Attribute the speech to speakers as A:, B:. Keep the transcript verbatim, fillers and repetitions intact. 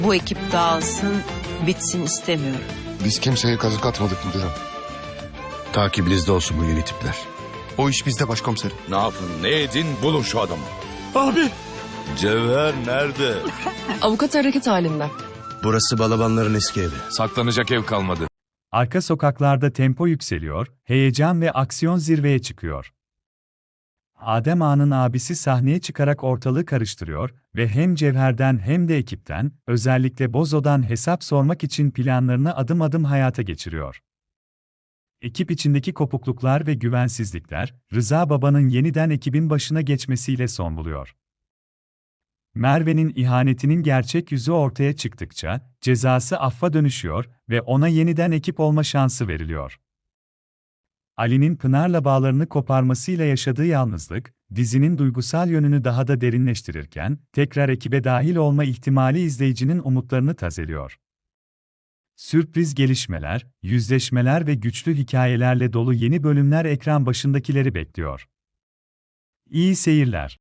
A: Bu ekip dağılsın, bitsin istemiyorum.
B: Biz kimseye kazık atmadık müdürüm.
C: Takibinizde olsun bu yeni tipler.
B: O iş bizde başkomiserim.
D: Ne yapın ne edin bulun şu adamı.
E: Abi.
D: Cevher nerede?
F: Avukat hareket halinde.
C: Burası balabanların eski evi.
D: Saklanacak ev kalmadı.
G: Arka sokaklarda tempo yükseliyor, heyecan ve aksiyon zirveye çıkıyor. Adem Ağa'nın abisi sahneye çıkarak ortalığı karıştırıyor ve hem Cevher'den hem de ekipten, özellikle Bozo'dan hesap sormak için planlarını adım adım hayata geçiriyor. Ekip içindeki kopukluklar ve güvensizlikler, Rıza Baba'nın yeniden ekibin başına geçmesiyle son buluyor. Merve'nin ihanetinin gerçek yüzü ortaya çıktıkça, cezası affa dönüşüyor ve ona yeniden ekip olma şansı veriliyor. Ali'nin Pınar'la bağlarını koparmasıyla yaşadığı yalnızlık, dizinin duygusal yönünü daha da derinleştirirken, tekrar ekibe dahil olma ihtimali izleyicinin umutlarını tazeliyor. Sürpriz gelişmeler, yüzleşmeler ve güçlü hikayelerle dolu yeni bölümler ekran başındakileri bekliyor. İyi seyirler.